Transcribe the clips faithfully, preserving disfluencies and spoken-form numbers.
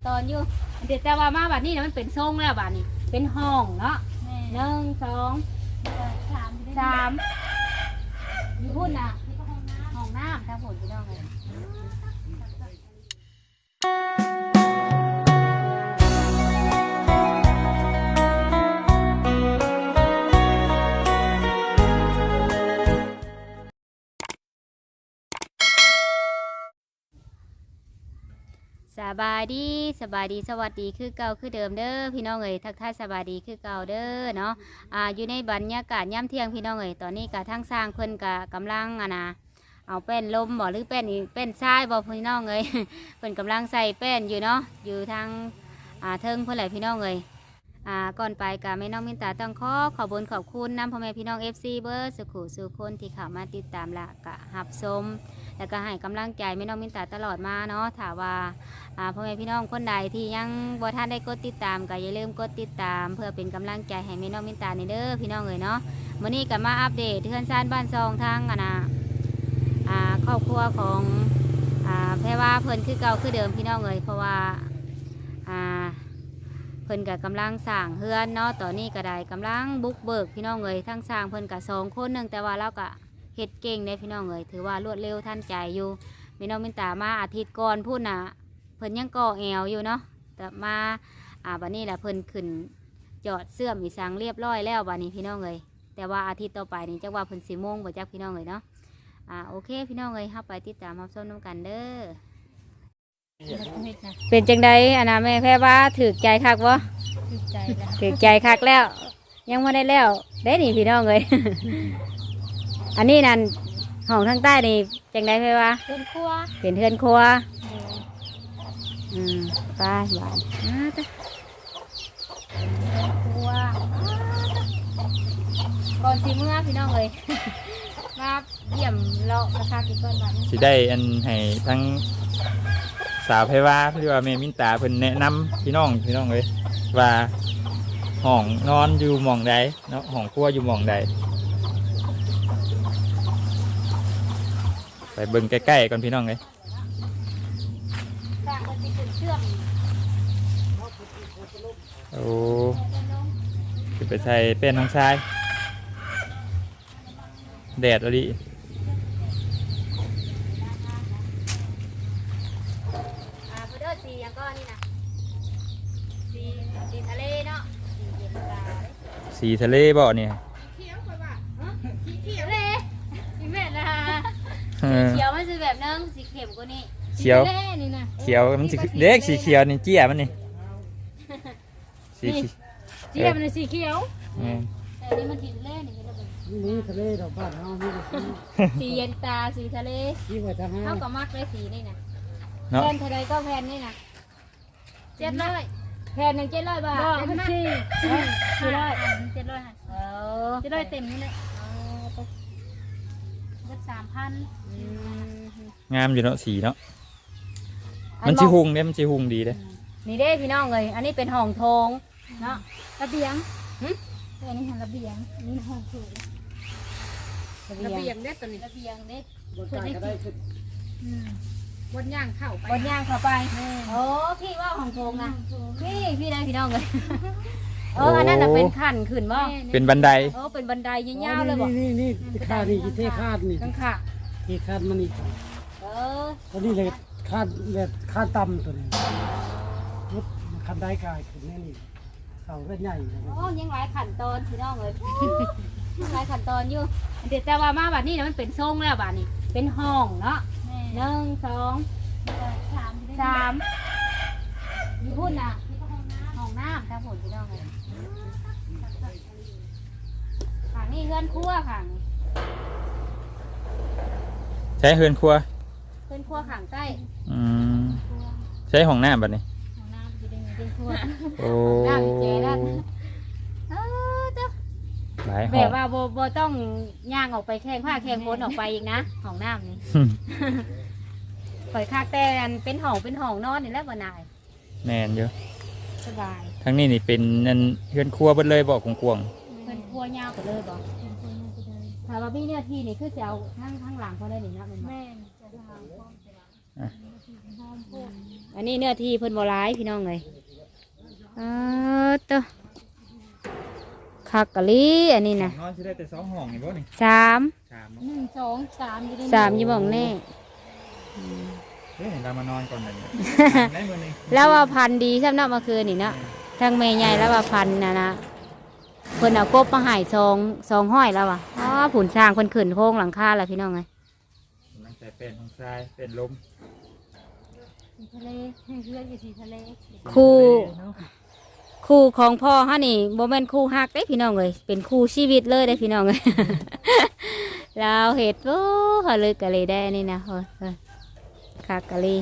ตอนอยู่เดี๋ยวแต่ว่ามาบัดนี้นะมันเป็นทรงแล้วบัดนี้เป็นห้องเนาะหนึ่งสองสามสามอยู่พุ่นน่ะห้องน้ำทั้งผลพี่น้องเลยสบายดีสบายดีสวัสดีคือเก่าคือเดิมเด้อพี่น้องเอ๋ยทักทายสบายดีคือเก่าเด้อเนาะอ่าอยู่ในบรรยากาศย่ำเที่ยงพี่น้องเอ๋ยตอนนี้กะทั้งสร้างเพิ่นกะกำลังอ่ะนะเอาแป้นลมบ่หรือแป้นอีแป้นทรายบ่พี่น้องเอ๋ย เพิ่นกำลังใส่แป้นอยู่เนาะอยู่ทางอ่าเทิงเพื่อนแหละพี่น้องเอ๋ยอ่าก่อนไปกะแม่น้องมินตาต้องขอขอบคุณขอบคุณน้ำพ่อแม่พี่น้องเอฟซีเบอร์สุขุสุคนที่เข้ามาติดตามละกะหับชมแล้วก็ให้กำลังใจแม่น้องมินตาตลอดมาเนาะถามว่าพ่อแม่พี่น้องคนใดที่ยังบ่ท่านได้กดติดตามก็อย่าลืมกดติดตามเพื่อเป็นกำลังใจให้แม่น้องมินตาในเด้อพี่น้องเอ๋ยเนาะวันนี้ก็มาอัปเดตเทือนซ่านบ้านซองทางอ่ะนะอ่าครอบครัวของอ่าแพรว่าเพิ่นคือเก่าคือเดิมพี่น้องเอ๋ยเพราะว่าอ่าเพิ่นกับกำลังสร้างเฮือนเนาะตอนนี้ก็ได้กำลังบุกเบิกพี่น้องเอ๋ยทั้งสร้างเพิ่นกับสองคนหนึ่งแต่ว่าเราก็เฮ็ดเก่งในพี่น้องเอ๋ยถือว่ารวดเร็วทันใจอยู่แม่น้องมินตามาอาทิตย์ก่อนพูดน่ะเพิ่นยังก่อแอวอยู่เนาะแต่มาอ่าบัดนี้แหละเพิ่นขึ้นจอดเสื่อมอีสังเรียบร้อยแล้วบัดนี้พี่น้องเอ๋ยแต่ว่าอาทิตย์ต่อไปนี่จักว่าเพิ่นสิโมงบ่จักพี่น้องเอ๋ยเนาะอ่าโอเคพี่น้องเอ๋ยเฮาไปติดตามรับชมนำกันเด้อเป็นจังไดอันน่ะแม่แพ้ว่าถูกใจคักบ่ถูกใจแล้วถูกใจคักแล้วยังบ่ได้แล้วได้นี่พี่น้องเอ๋ย อันนี้นั่นห้องทางใต้นี่จังไดแพ้ว่าเฮือนครัวเป็นเฮือนครัวอืมไปหวานอ่าจ้ะครัวก่อนสิเมื่อพี่น้องเอ๋ย มาเยี่ยมเลาะราคากี่ก้อนบาทสิได้อันให้ทั้งสาวไพว่าหรือว่าแม่มินตาเพิ่นแนะนำพี่น้องพี่น้องเลยว่าห้องนอนอยู่หม่องใดเนาะห้องครัวอยู่หม่องใดไปเบิ่งใกล้ๆก่อนพี่น้องเลยสร้างคนที่ขึ้นเชื่อมโอ้จะไปใส่เป็นน้องชายแดดอะไรสีอย่างก็นี่นะสีสีทะเลเนาะสีเย็นตาสีทะเลบ่เนี่ยเขียวไปว่าสีเขียวเลยสีเม็ดนะสีเขียวมันจะแบบนึงสีเข็มกว่านี้เขียวเขียวมันสีเล็กสีเขียวนี่เจี๊ยมันนี่สีเจี๊ยมันสีเขียวแต่นี่มันสีทะเลนี่นี่ทะเลดอกบ้านเฮานี่สีเย็นตาสีทะเลเท่ากับมักเลยสีนี่นะแผ่นทะเลก็แผ่นนี่นะเจ็ดร้อยแผ่นหนึ่งเจ็ดร้อยบาทเป็นสี่สี่ร้อยเจ็ดร้อยเออเจ็ดร้อยเต็มนี่แหละเจ็ดสามพันงามอยู่เนาะสีเนาะมันชิหุงเนี่ยมันชิหุงดีเลยนี่เด้พี่น้องเลยอันนี้เป็นห้องโถงเนาะระเบียงอันนี้ระเบียงนี่ห้องโถงระเบียงเด้ตัวนี้ระเบียงเด้บนกายก็ได้ขึ้นบนย่างเข้าไปบนย่างเข้าไปโอ้พี่ว่าของโถงนะพี่พี่ได้พี่น้องเลยเอออันนั้นน่ะเป็นขั้นขึ้นว่าเป็นบันไดเออเป็นบันไดยาวๆเลยบ่นี่นี่คาดนี่เทคาดนี่ตั้งค่ะที่คาดมันนี่เออตัวนี้เลยคาดแบบคาดต่ำตัวนี้รถคันได้กายขึ้นแน่นี่เสาก็ใหญ่โอ้ยังหลายขั้นตอนพี่น้องเลยยังหลายขั้นตอนอยู่เดี๋ยวแต่ว่ามาบัดนี้นะมันเป็นทรงแล้วบัดนี้เป็นห้องเนาะหนึ่งสองสามสามมีพุ่นน่ะห้องน้ำทั้งหมดพี่น้องเลยขังนี่เฮือนครัวขังใช้เฮือนครัวเฮือนครัวขังใต้อืมใช้ห้องน้ำแบบนี้ห้องน้ำอยู่ในเฮือนครัวโอ้น้ำเจ๋ด้านเออเจ้าแบบว่าโบโบต้องย่างออกไปแข่งผ้าแข่งบนออกไปอีกนะห้องน้ำนี่ข่อยคากแต่เป็นห้องเป็นห้องนอนนี่แหละบ่นายแม่นเยอะสบายทั้งนี้นี่เป็นนั่นเฮือนครัวเบิดเลยบอกกวงๆเป็นครัวยาวไปเลยบอกถ้าว่าพี่เนี่ยที่นี่คือจะเอาทั้งทั้งหลังเขาได้หนินะแม่จะทำพร้อมอันนี้เนื้อที่เพิ่นบ่ร้ายพี่น้องเลยเออเตอคักกะลีอันนี้นะนอนสิได้แต่สองห้องนี่บ่นี่สามสามหนึ่งสองสามอยู่ในสามอยี่บ่องแน่เฮ้ยเรามานอนก่อนเลยเนี่ยได้มื้อนึงแล้วว่าพันธุ์ดีสำนักเมื่อคืนนี่เนาะทางแม่ใหญ่แล้วว่าพันธุ์นะนะเพิ่นเอากบมาใหายซองซองห้อยแล้วว่ะอ๋อผุนสร้างเพิ่นขึ้นโค้งหลังคาแล้วพี่น้องไงนังแต่เป็นของทรายเป็นลมสีทะเลเพื่อนอยู่สีทะเลคู่คู่ของพ่อฮะนี่บ่แม่นคู่ฮักได้พี่น้องเลยเป็นคู่ชีวิตเลยได้พี่น้องเลย แล้วเห็ดโอ้เขาเลยกะเลยได้นี่นะเฮ้ยเฮ้ยคักกะลี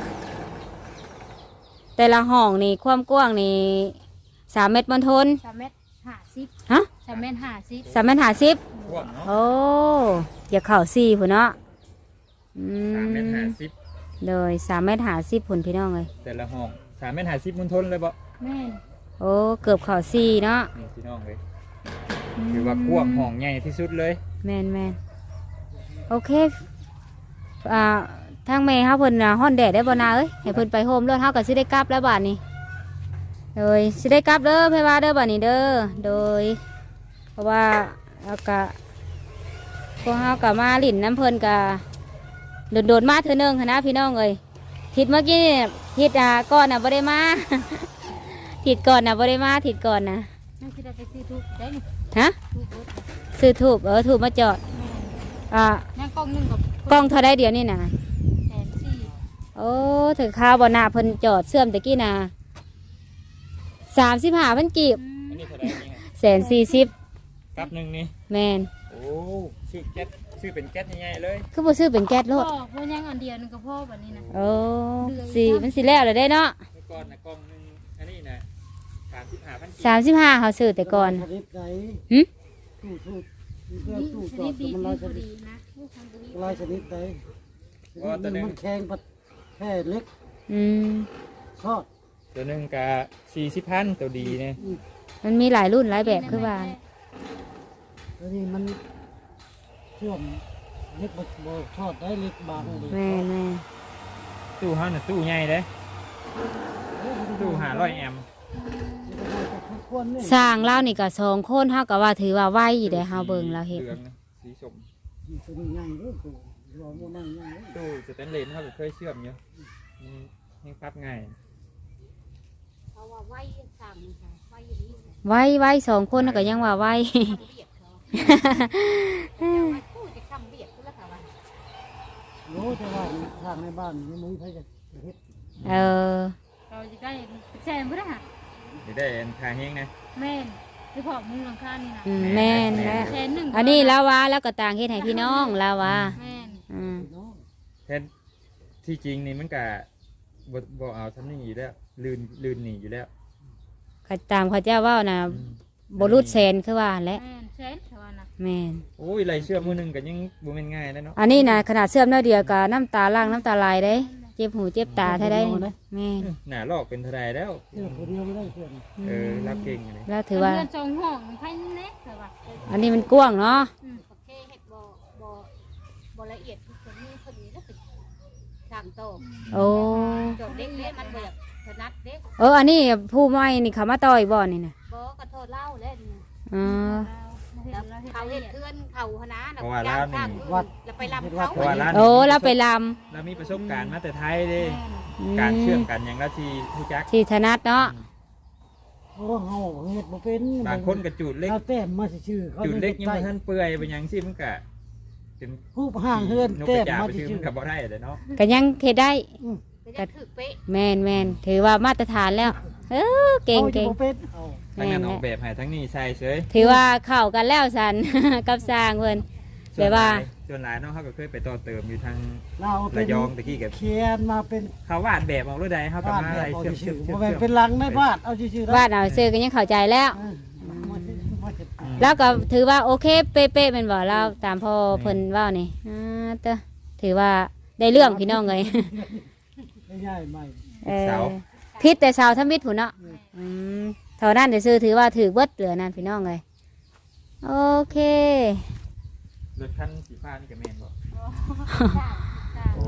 แต่ละห้องนี่ความกว้างนี่สามเมตรบนทนสามเมตรห้าสิบฮะสามเมตรห้าสิบสามเมตรห้าสิบพวกเนาะโอ้อย่าเข่าสี่ผุนเนาะอืสามเมตรห้าสิบเลยสามเมตรห้าสิบผุนพี่น้องเลยแต่ละห้องสามเมตรห้าสิบมุนทนเลยบ่แม่นโอ้เกือบเข่าสี่เนาะนี่พี่น้องเลยถือว่ากว้างห้องใหญ่ที่สุดเลยแมนแมนโอเคอ่าทางเมย์เขาเพิ่นน่ะฮ้อนแดดได้บ่นาเอ้ยให้เพิ่นไปโฮมรถเฮาก็สิได้กลับแล้วบาดนี้โดยสิได้กลับเด้อเพว่าเด้อบาดนี้เด้อโดย เพราะว่าเอากะพวกเฮาก็มาลิ้นน้ำเพิ่นก็โดดๆมาเทื่อนึงหั้นนะพี่น้องเอ้ยทิศเมื่อกี้นี่ทิศอ่าก่อนน่ะบ่ได้มา ทิศก่อนน่ะบ่ได้มาทิศก่อนน่ะนั่นคือเราไปซื้อทุกได้นี่ฮะทุกรถซื้อถูกเออถูกมาจอดแม่นอ่านั่งกล้องหนึ่งกับกล้องเท่าได้เดียวนี่น่ะแสนสี่โอ้ถึงข้าวบ่หน้าเพิ่นจอดเสื่อมตะกี้น่ะสามสิบห้าพันกีบอันนี้เท่าไหร่นี่ฮะแสนสี่สิบกับหนึ่งนี่แมนโอ้ชื่อแก๊สชื่อเป็นแก๊สใหญ่ๆเลยคือบ่ซื้อเป็นแก๊สโลพ่อดพ่อยังอันเดียวหนึงกับพ่อแบบนี้นะโอ้สีมันสิแล้วเลยได้เนาะเมื่อก่อนนะกล่องหนึงอันนี้นะสามสิบห้าพันสามสิบห้าเขาซื้อแต่ก่อนชนิดไหนหึตู้ตู้เรื่องนี่ตู้ชจอนิดดดีมันที่ลายชบุนิดรีนะลูกทำบุรีลายชนิดไหนชนิดหนึงมันแข็งปัดแค่เล็กอืมทอดตัวหนึ่งกับสี่สิบพันตัวดีเนี่ยมันมีหลายรุ่นหลายแบบคือว่าแล้วนี่มันเชื่อมเล็กบดบทอดได้เล็กบางเลยแม่แม่ตู้เฮาน่ะตู้ใหญ่เลยตู้ห้าร้อยแอมป์ควรนี่สร้างเล่านี่ก็สองคนเฮาก็ว่าถือว่าไวอยู่ได้เฮาเบิ่งเราเห็นหลืองนะสีส้มตัวนี้ใหญ่ด้วยตัวรอโมนั่งใหญ่ด้วยตู้สแตนเลสเขาก็เคยเชื่อมอยู่มันยังปรับง่ายเขาว่าไหวสั่งค่ะไหวอย่างนี้ไวไวสองคนน่ะก็ยังว่าไวทำเบียดเขาพูดจะทำเบียดก็แล้วค่ะว่ารู้แต่ว่าทางในบ้านนี่มึงใครจะเฮ็ดเออเราจะได้แซมเพื่อค่ะจะได้อันทาแห้งนะแม่นที่พ่อมุงหลังคานี่นะอืมแม่นและแสนหนึ่งอันนี้ลาวาแล้วก็ต่างเฮ็ดให้พี่น้องลาวาแม่นอืมเนาะแทนที่จริงนี่มันกะบ่บ่เอาทำนี่อยู่แล้วลื่นลื่นหนีอยู่แล้วก็ตามเขาเจ้าเว่านะบรุษแสนคือว่าแหละแม่นแสนเท่านั้นนะแม่นโอ้ยไรเชื่อมมือหนึงก็ยังบ่แม่นง่ายแล้วเนาะอันนี้นะขนาดเสื่อมน้อยเดียวกับน้ำตาล่างน้ำตาลายได้ เจ็บหูเจ็บตาแท้ได้แม่นหน้าลอกเป็นเทรายแล้วเชื่อคนเดียวไม่ได้เชื่อเออรับเก่งเลยแล้วถือว่าเงินจองห้องใครเน็กแต่ว่าอันนี้มันกว้างเนาะอืมโอเคเฮ็ดบ่บ่บ่ละเอียดทุกคนนี้คนนี้แล้วเป็นสั่งโตโอ้จดเด็กเด้มันบ่อยากถนัดเด็กเอออันนี้ผู้ไม่นี่เขามาต่อยบ่อนี่นะบ่ก็โทษเล่าเล่นอ๋อเขาเฮ็ดเทือนเขาหนาน่ะเพราะว่าร้านนี่แล้วไปรับเขาเพราะว่าร้านโอ้เราไปลเรามีประสบการณ์มาแต่ไทยเด้ำอืการเชื่อมมกันอย่างละทีผู้จักที่ถนัดเนาะโอ้เฮาเฮ็ดบ่เป็นบางคนกระจูดเล็กเอาแต้มมาชื่อเขาจูดเล็กยังใต้บ่ทันเปื่อยเป็นหยังสิมันก็เป็นผู้ห่างเฮือนนกแต้กระมจาบมาไปชื่อชื่มัอนก็บ่ได้เลยเนาะก็ยังเฮ็ดได้ไปได้ถือเป๊ะแม่นแม่นถือว่ามาตรฐานแล้ว เออเก่งอาเก่งจะบ่เป็นเอาทั้งนั้นออกแม่นแบบให้ทั้งนี้ใส่เฉยถือว่าเข้ากันแล้วสัน กับสร้างเพิ่น แบบว่าส่วนหลายเนาะเขาก็เคยไปต่อเติมอยู่ทางเราเป็ระนยองตะกี้กับเขียนมาเป็นเขาวาดแบบออกด้วยใดเขากับวาดมาแบอะไรบเอาเชื่อมชื่เชื่ออมบ่เชื่อมแม่นเป็นลังในวาดเอาชื่อๆวาดเอาซื้อก็ยังเข้าใจแล้วเออมาสิมาสิแล้วก็ถือว่าโอเคเป๊ะๆเป็นบ่เราตามพ่อเพิ่นเว่านี่อ่าเตอถือว่าได้เรื่องพี่น้องเลยง่ายๆใหม่เออพิษแต่เสาวทมิตรผู้เนาะอืมเท่านั้นเดี๋ยวซื้อถือว่าถือเบิดเหลือนั่นพี่น้องเลยโอเครถคันสีฟ้านี่กับแมนบอกโอ้รถชา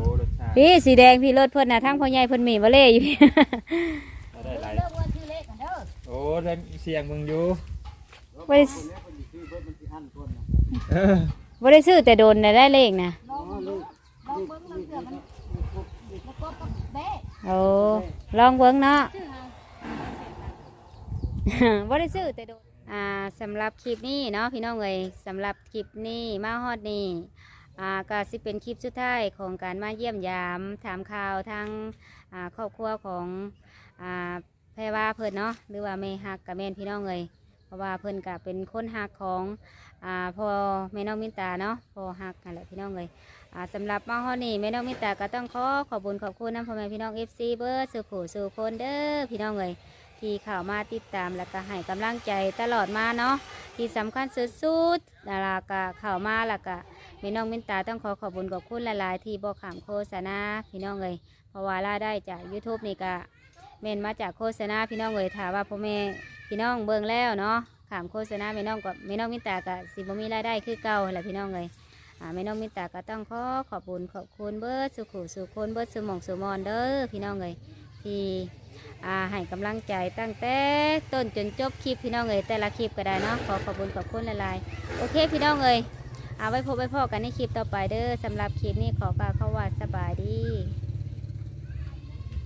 พี่สีแดงพี่รถเพิ่นน่ะทั้งพ่อใหญ่เพิ่นมีบ่เล่อยู่ได้หลายเลิกว่าชื่อเลขกันเด้อโอ้ได้เสียงมึงอยู่บ่ได้เออบ่ได้ซื้อแต่โดนน่ะได้เลขนะลองเบิ่งลองเบิ่งลองเสือมันมันก็กับแบ้โอ้ลองเบิ่งเนาะชื่อหาบ่ได้ซื้อแต่โดนอ่าสำหรับคลิปนี้เนาะพี่น้องเอ้ยสำหรับคลิปนี้มาฮอดนี้อ่าก็สิเป็นคลิปสุดท้ายของการมาเยี่ยมยามถามข่าวทางอ่าครอบครัวของอ่าแพรว่าเพิ่นเนาะหรือว่าแม่ฮักกับแม่นพี่น้องเอ้ยเพราะว่าเพิ่นก็เป็นคนฮักของอ่าพ่อแม่น้องมินตาเนาะพ่อฮักนั่นแหละพี่น้องเอ้ยอ่าสำหรับมาฮอดนี้แม่น้องมินตาก็ต้องขอขอบคุญขอบคุณน้ำพ่อแม่พี่น้อง เอฟ ซี เบิร์ดสู่ผู้สู่คนเด้อพี่น้องเอ้ยที่เข้ามาติดตามและก็ให้กำลังใจตลอดมาเนาะที่สำคัญสุดๆแล้วก็เข้ามาแล้วก็แม่น้องมินตาต้องขอขอบคุญขอบคุณหลายๆที่บอกขามโฆษณาพี่น้องเอ้ยเพราะว่ารายได้จาก ยูทูบ นี่ก็เมนมาจากโฆษณาพี่น้องเอ้ยถามว่าพ่อแม่พี่น้องเบิ่งแล้วเนาะขามโฆษณาแม่น้องกับแม่น้องมินตาก็สิบ่มีรายได้คือเก่าแหละพี่น้องเอ้ยอ่าแม่น้องมินตาก็ต้องขอขอบคุญขอบคุณเบิร์ดสุขุสุคนเบิร์ดสุหมองสุมอนเด้อพี่น้องเอ้ยที่อ่าให้กำลังใจตั้งแต่ต้นจนจบคลิปพี่น้องเอ้ยแต่ละคลิปก็ได้เนาะขอขอบคุณขอบคุณหลายๆโอเคพี่น้องเอ้ยเอาไว้พบไว้พอกันในคลิปต่อไปเด้อสำหรับคลิปนี้ขอกล่าวคำว่าสบายดี